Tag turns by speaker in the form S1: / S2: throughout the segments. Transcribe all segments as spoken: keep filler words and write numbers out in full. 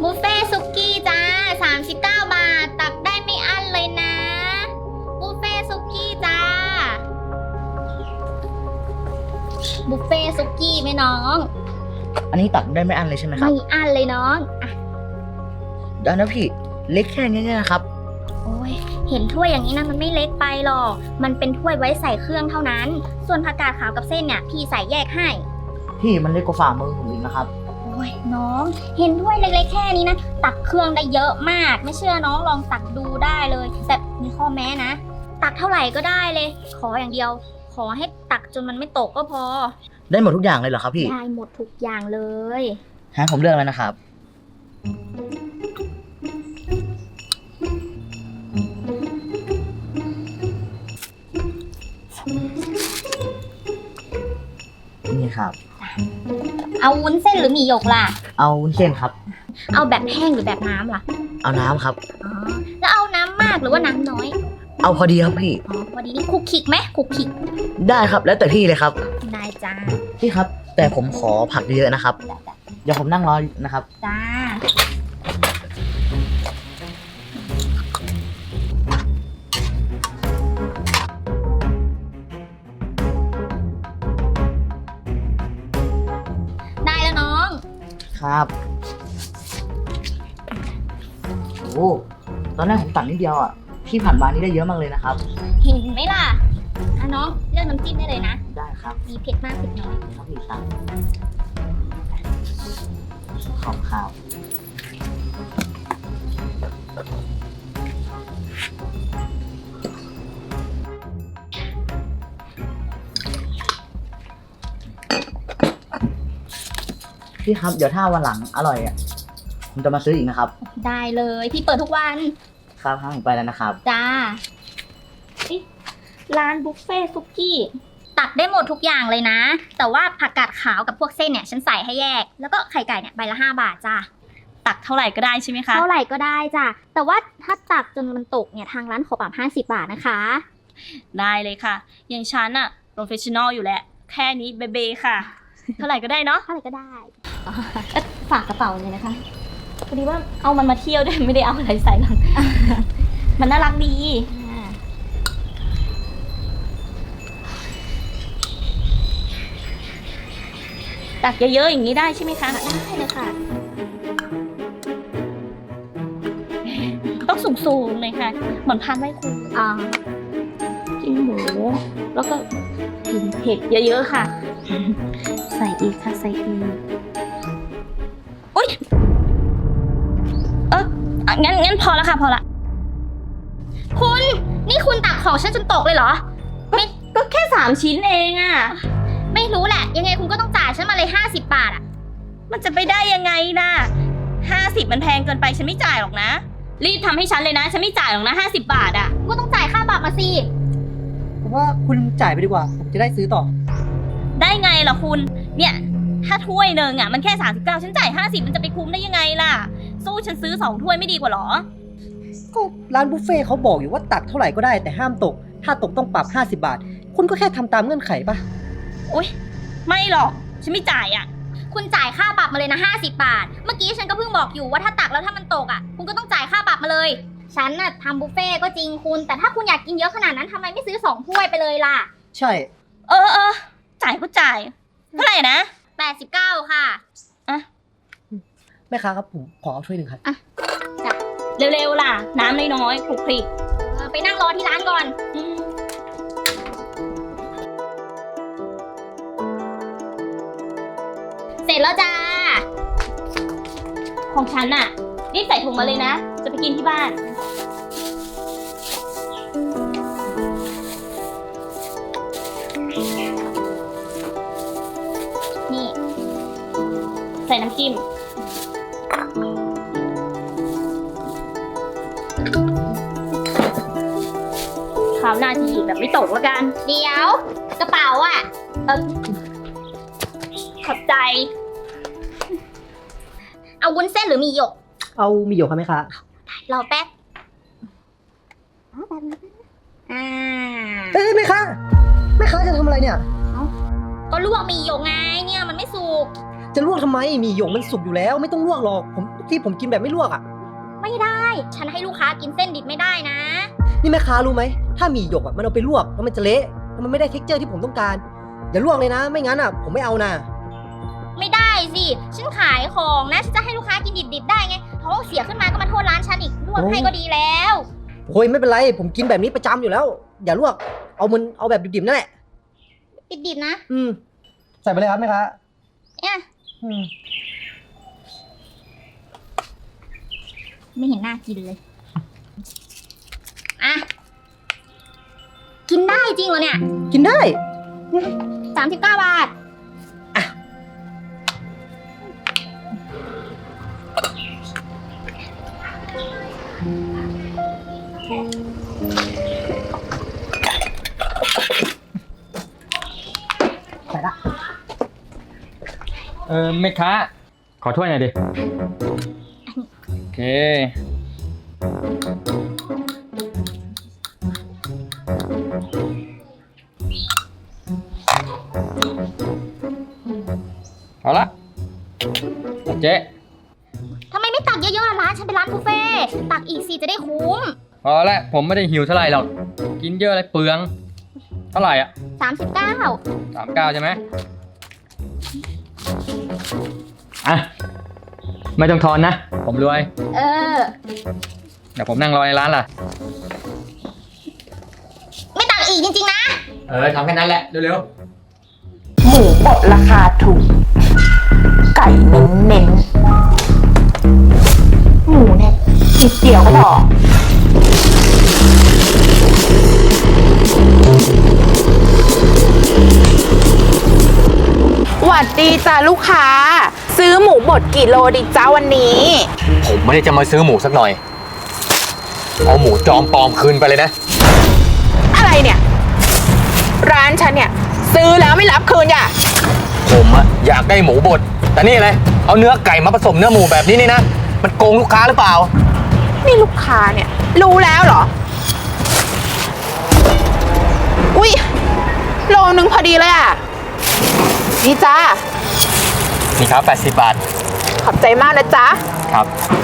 S1: บุฟเฟ่ซุกี้จ้าสามสิบเก้าบาทตักได้ไม่อั้นเลยนะบุฟเฟ่ซุกี้จ้าบุฟเฟ่ซุกี้ไหมน้อง
S2: อันนี้ตักได้ไม่อั้นเลยใช่ไหมครับ
S1: ไม่อั้นเลยน้องอ่ะ
S2: ได้นะพี่เล็กแค่นี้เนี่ยนะครับ
S1: โอ้ยเห็นถ้วยอย่างนี้นะมันไม่เล็กไปหรอกมันเป็นถ้วยไว้ใส่เครื่องเท่านั้นส่วนผักกาดขาวกับเส้นเนี่ยพี่ใส่แยกให้
S2: พี่มันเล็กกว่าฝ่ามือผมอีกนะครับ
S1: โอ้ยน้องเห็นถ้วยเล็กๆแค่นี้นะตักเครื่องได้เยอะมากไม่เชื่อน้องลองตักดูได้เลยแต่มีข้อแม้นะตักเท่าไหร่ก็ได้เลยขออย่างเดียวขอให้ตักจนมันไม่ตกก็พอ
S2: ได้หมดทุกอย่างเลยเหรอครับพี่
S1: ได้หมดทุกอย่างเลย
S2: ฮะผมเลือกแล้วนะครับนี่ครับ
S1: เอาวุ้นเส้นหรือหมี่หยกล่ะ
S2: เอาวุ้นเส้นครับ
S1: เอาแบบแห้งหรือแบบน้ำล่ะ
S2: เอาน้ำครับ
S1: อ๋อแล้วเอาน้ำมากหรือว่าน้ำน้อย
S2: เอาพอดีครับพี่
S1: อ๋อพอดีนี่คุกคิกไหมคุกคิก
S2: ได้ครับแล้วแต่พี่เลยครับ
S1: ได้จ้า
S2: พี่ครับแต่ผมขอผักเยอะนะครับเดี๋ยวผมนั่งรอนะครับ
S1: จ้าได้แล้วน้อง
S2: ครับโอ้ตอนแรกผมตักนิดเดียวอ่ะพี่ผ่านมานี่ได้เยอะมากเลยนะครับ
S1: เห็นไหมล่ะอ่ะน้องเลือกน้ำจิ้มได้เลยนะ
S2: ได้ครับ
S1: มีเผ็ดมากเผ็ดน้อย
S2: ครับพี่สั่งขอบครับพี่ครับเดี๋ยวถ้าวันหลังอร่อยอ่ะผมจะมาซื้ออีกนะครับ
S1: ได้เลยพี่เปิดทุกวัน
S2: ครับครับผมไปแล้วนะครับ
S1: จ้าร้านบุฟเฟ่ซุกี้ตักได้หมดทุกอย่างเลยนะแต่ว่าผักกาดขาวกับพวกเส้นเนี่ยฉันใส่ให้แยกแล้วก็ไข่ไก่เนี่ยใบละห้าบาทจ้า
S3: ตักเท่าไหร่ก็ได้ใช่ไหมคะ
S1: เท่าไหร่ก็ได้จ้าแต่ว่าถ้าตักจนมันตกเนี่ยทางร้านขอปรับห้าสิบบาทนะคะ
S3: ได้เลยค่ะอย่างฉันอะโปรเฟชชั่นอลอยู่แล้วแค่นี้เบเบค่ะเท่าไหร่ก็ได้เนาะ
S1: เท่าไหร่ก็ได้ฝากกระเป๋าเลยนะคะ
S3: พอดีว่าเอามันมาเที่ยวด้วยไม่ได้เอาอะไรใส่หรอกมันน่ารักดีตักเยอะๆอย่างนี้ได้ใช่ไหมคะ
S1: ได้เลยค่ะ
S3: ต้องสูงๆเลยค่ะเหมือนพันไว้ครู
S1: อ่า
S3: กินหมูแล้วก็กินเผ็ดเยอะๆค่ะใส่อีกค่ะใส่อีกอุ๊ยเอองั้นงั้นพอแล้วค่ะพอละ
S1: คุณนี่คุณตักของฉันจนตกเลยเหรอ
S3: ไม่ก็แค่สามชิ้นเองอะ
S1: ไม่รู้แหละยังไงคุณก็ต้องจ่ายฉันมาเลยห้าสิบบาทอะ
S3: มันจะไปได้ยังไงนะห้าสิบมันแพงเกินไปฉันไม่จ่ายหรอกนะรีบทำให้ฉันเลยนะฉันไม่จ่ายหรอกนะห้าสิบบาทอะ
S1: ก็ต้องจ่ายค่าปรับมาสิ
S2: ผมว่าคุณจ่ายไปดีกว่าผมจะได้ซื้อต่อ
S3: ได้ไงล่ะคุณเนี่ยถ้าถ้วยหนึ่งอะมันแค่สามสิบเก้าฉันจ่ายห้าสิบมันจะไปคุ้มได้ยังไงล่ะสู้ฉันซื้อสองถ้วยไม่ดีกว่าหรอ
S4: ก็ร้านบุฟเฟ่เขาบอกอยู่ว่าตักเท่าไหร่ก็ได้แต่ห้ามตกถ้าตกต้องปรับห้าสิบบาทคุณก็แค่ทำตามเงื่อนไขป่ะ
S3: โอ๊ยไม่หรอกฉันไม่จ่ายอ่ะ
S1: คุณจ่ายค่าปรับมาเลยนะห้าสิบบาทเมื่อกี้ฉันก็เพิ่งบอกอยู่ว่าถ้าตักแล้วถ้ามันตกอ่ะคุณก็ต้องจ่ายค่าปรับมาเลยฉันน่ะทำบุฟเฟ่ก็จริงคุณแต่ถ้าคุณอยากกินเยอะขนาดนั้นทำไมไม่ซื้อสองถ้วยไปเลยล่ะ
S4: ใช่
S3: เออเออจ่ายก็จ่ายเท่าไหร่นะ
S1: แปดสิบเก้าค่ะ
S3: อ่ะ
S4: แม่ค้าครับผมขอเอาถ้วยหนึ่งครับ
S1: อ่ะจ้ะ
S3: เร็วๆล่ะน้ำน้อยๆคลุกคลิก
S1: ไปนั่งรอที่ร้านก่อนเสร็จแล้วจ้า
S3: ของฉันน่ะรีบใส่ถุงมาเลยนะจะไปกินที่บ้าน
S1: นี่
S3: ใส่น้ำจิ้มคราวหน้าที่แบบไม่ตกแล้วกัน
S1: เดี๋ยวกระเป๋าอ่ะ
S3: เออขอบใจ
S1: เอาวุ้นเส้นหรือหมี่หยก
S4: เอาหมี่หยกค่ะแม่ค้าร
S1: อแป๊บอ่า
S4: เอ้ยแม่ค้าแม่ค้าจะทำอะไรเนี่ย
S1: ก็ลวกหมี่หยกไงเนี่ยมันไม่สุก
S4: จะลวกทำไมหมี่หยกมันสุกอยู่แล้วไม่ต้องลวกหรอกผมที่ผมกินแบบไม่ลวกอ่ะ
S1: ไม่ได้ ฉันให้ลูกค้ากินเส้นดิบไม่ได้นะ
S4: นี่แม่ค้ารู้ไหมถ้าหมี่หยกอ่ะมันเอาไปลวกแล้วมันจะเละแล้วมันไม่ได้เท็กเจอร์ที่ผมต้องการอย่าลวกเลยนะ ไม่งั้นอ่ะผมไม่เอานะ
S1: ไม่ได้สิ ฉันขายของนะ ฉันจะให้ลูกค้ากินดิบๆได้ไงท้องเสียขึ้นมาก็มาโทษร้านฉันอีกลวกให้ก็ดีแล้ว
S4: โอ้ยไม่เป็นไรผมกินแบบนี้ประจำอยู่แล้ว อย่าลวกเอามันเอาแบบดิบๆนั่นแหละ
S1: ดิบๆนะ
S4: อืมใส่ไปเลยครับแม่ค้า
S1: เนี่ย
S4: อืม
S1: ไม่เห็นน่ากินเลย อ่ะ กินได้จริงเหรอเนี่ย
S4: กินได้
S1: สามสิบเก้าบาท
S4: ใส่ละ
S5: เออแม่ค้าขอถ้วยหน่อยดิ โอเค เอาละเอาเจ๊
S1: ทำไมไม่ตักเยอะๆล่ะร้านฉันเป็นร้านบุฟเฟ่ต์ตักอีกสิจะได้คุ้ม
S5: พอละผมไม่ได้หิวเท่าไหร่หรอก กินเยอะอะไรเปลือง เท่าไหร่อ่ะ
S1: สามสิบเก้า
S5: สามเก้าใช่ไหมอ่ะ ไม่ต้องทอนนะ ผมรวย
S1: เออ
S5: เดี๋ยวผมนั่งรอในร้านล่ะ
S1: ไม่ตักอีกจริงๆนะ
S5: เออทำแค่นั้นแหละ เร็ว
S3: หมูบดราคาถูก ไก่เน้นเน้นหมูเนี่ยนิดเดียวก็พอหวัดดีจ้าลูกค้า ซื้อหมูบดกี่โลดีจ้าวันนี้
S6: ผมไม่ได้จะมาซื้อหมูสักหน่อย เอาหมูจอมปลอมคืนไปเลยนะ
S3: อะไรเนี่ย ร้านฉันเนี่ย ซื้อแล้วไม่รับคืนอย่า
S6: ผมอะอยากได้หมูบด แต่นี่อะไร เอาเนื้อไก่มาผสมเนื้อหมูแบบนี้นี่นะ มันโกงลูกค้าหรือเปล่า
S3: นี่ลูกค้าเนี่ย รู้แล้วเหรอ อุ๊ยโลนึงพอดีเลยอ่ะนี่จ้า
S6: นี่ครับแปดสิบบาท
S3: ขอบใจมากนะจ๊ะ
S6: ครับ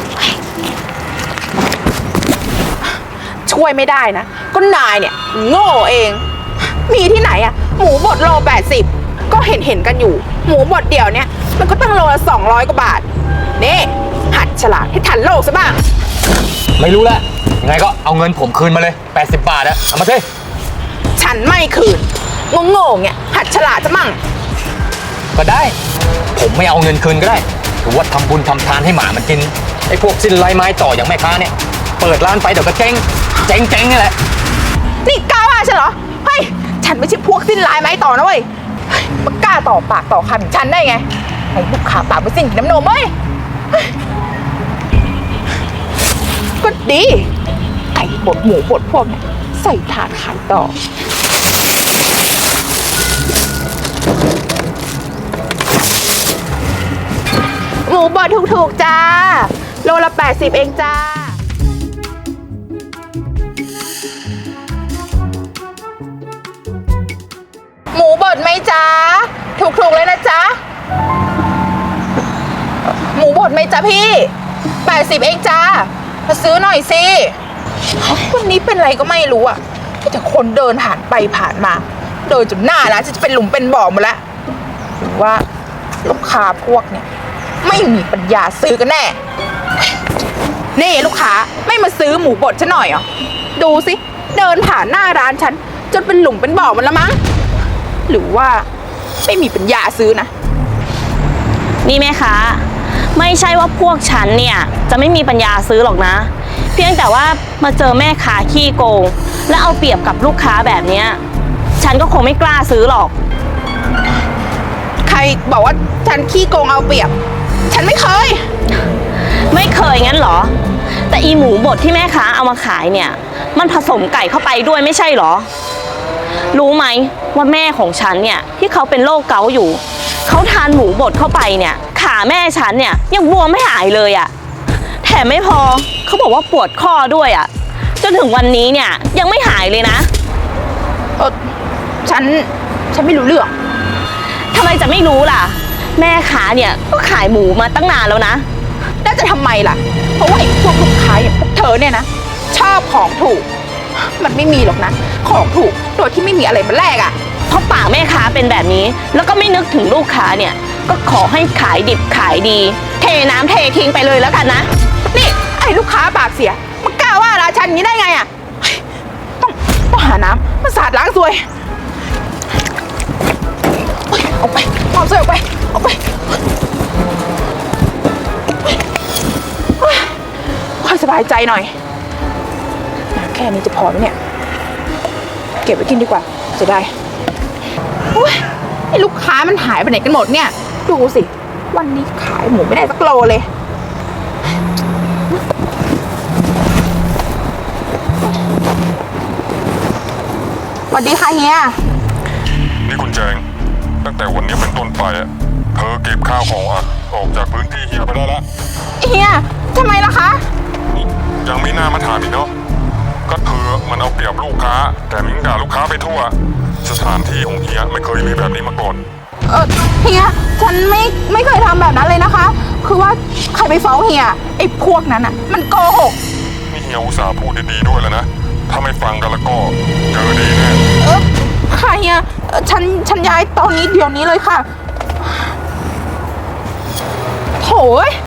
S3: ช่วยไม่ได้นะ ก็นายเนี่ย โง่เอง มีที่ไหนอะหมูบดโลแปดสิบก็เห็นเห็นกันอยู่ หมูบดเดี่ยวเนี่ย มันก็ตั้งโลละสองร้อยกว่าบาท นี่ หัดฉลาดให้ทันโลกซะบ้าง
S6: ไม่รู้ละยังไงก็เอาเงินผมคืนมาเลยแปดสิบบาทอะเอามาสิ
S3: ฉันไม่คืนโง่ๆเนี่ยหัดฉลาดซะมั่ง
S6: ก็ได้ ผมไม่เอาเงินคืนก็ได้ถือว่าทำบุญทำทานให้หมามันกิน ไอ้พวกสิ้นไร้ไม้ต่ออย่างแม่ค้าเนี่ย เปิดร้านไปเดี๋ยวก็เจ๊ง เจ๊งเจ๊งนี่แหละ
S3: นี่กล้าว่าฉันเหรอ เฮ้ย ฉันไม่ใช่พวกสิ้นลายไม้ต่อนะเว้ยเฮ้ยมากล้าต่อปากต่อคำอย่างฉันได้ไงไอ้ลูกค้าปากไปสิ่งน้ำนมเว้ยเฮ้ยก็ดี ไก่บดหมูบดพวกเนี่ยใส่ถาดขายต่อ หมูบดถูกๆจ้า โลละแปดสิบเองจ้า หมูบดไหมจ๊ะ ถูกๆเลยนะจ๊ะ หมูบดไหมจ๊ะพี่แปดสิบเองจ้ามาซื้อหน่อยสิวันนี้เป็นอะไรก็ไม่รู้อ่ะมีแต่คนเดินผ่านไปผ่านมา เดินจนหน้าร้านจะเป็นหลุมเป็นบ่อหมดแล้วหรือว่าลูกค้าพวกเนี่ยไม่มีปัญญาซื้อกันแน่ นี่ลูกค้าไม่มาซื้อหมูบดฉันหน่อยเหรอ ดูสิ เดินผ่านหน้าร้านฉันจนเป็นหลุมเป็นบ่อหมันละมั้ง หรือว่าไม่มีปัญญาซื้อนะ
S7: นี่แม่ค้าไม่ใช่ว่าพวกฉันเนี่ยจะไม่มีปัญญาซื้อหรอกนะ เพียงแต่ว่ามาเจอแม่ค้าขี้โกง และเอาเปรียบกับลูกค้าแบบเนี้ยฉันก็คงไม่กล้าซื้อหรอก
S3: ใครบอกว่าฉันขี้โกงเอาเปรียบ ฉันไม่เคย
S7: ไม่เคยงั้นเหรอ แต่อีหมูบดที่แม่ค้าเอามาขายเนี่ยมันผสมไก่เข้าไปด้วยไม่ใช่เหรอ รู้ไหมว่าแม่ของฉันเนี่ยที่เขาเป็นโรคเกาต์อยู่เขาทานหมูบดเข้าไปเนี่ยขาแม่ฉันเนี่ยยังบวมไม่หายเลยอะ่ะแถมไม่พอเขาบอกว่าปวดข้อด้วยอะ่ะจนถึงวันนี้เนี่ยยังไม่หายเลยนะ
S3: เออฉัน ฉันไม่รู้เรื่อง
S7: ทำไมจะไม่รู้ล่ะแม่ค้าเนี่ยก็ขายหมูมาตั้งนานแล้วนะ
S8: แล้วจะทำไมล่ะ เพราะว่าไอ้พวกลูกค้าอย่างพวกเธอเนี่ยนะ ชอบของถูก มันไม่มีหรอกนะ ของถูกโดยที่ไม่มีอะไรมาแลกอ่ะ
S7: เพราะปากแม่ค้าเป็นแบบนี้ แล้วก็ไม่นึกถึงลูกค้าเนี่ย ก็ขอให้ขายดิบขายดี เทน้ำเททิ้งไปเลยแล้วกันนะ
S8: นี่ไอ้ลูกค้าปากเสียมันกล้าว่าราชันอย่างนี้ได้ไงอ่ะเฮ้ยต้องต้องหาน้ำมาสาดล้างซวยเฮ้ยเอาไปเอาซวยออกไปเอาไปเฮ้ยค่อยสบายใจหน่อย แค่นี้จะพอไหมเนี่ย เก็บไว้กินดีกว่าจะได้โอ้ยไอ้ลูกค้ามันหายไปไหนกันหมดเนี่ย ดูสิ วันนี้ขายหมูไม่ได้สักโลเลย สวัสดีค่ะเฮีย
S9: นี่คุณแจง ตั้งแต่วันนี้เป็นต้นไปอะเธอเก็บข้าวของอะออกจากพื้นที่เฮียไปได้แล้ว
S8: เฮียทำไมล่ะคะ
S9: นี่ยังไม่น่ามาถามอีกเนาะก็เธอมันเอาเปรียบลูกค้า แต่มิงด่าลูกค้าไปทั่ว สถานที่ของเฮียไม่เคยมีแบบนี้มาก่อน
S8: เออเฮีย ฉันไม่ไม่เคยทำแบบนั้นเลยนะคะ คือว่าใครไปฟ้องเฮีย ไอ้พวกนั้นอ่ะ มันโกหก
S9: นี่เฮียอุตส่าห์พูดดีๆด้วยแล้วนะ ถ้าไม่ฟังกันแล้วก็เจอดีแน่
S8: เออค่ะเฮียเอ่อฉันฉันย้ายตอนนี้เดี๋ยวนี้เลยค่ะโถ่เอ้ย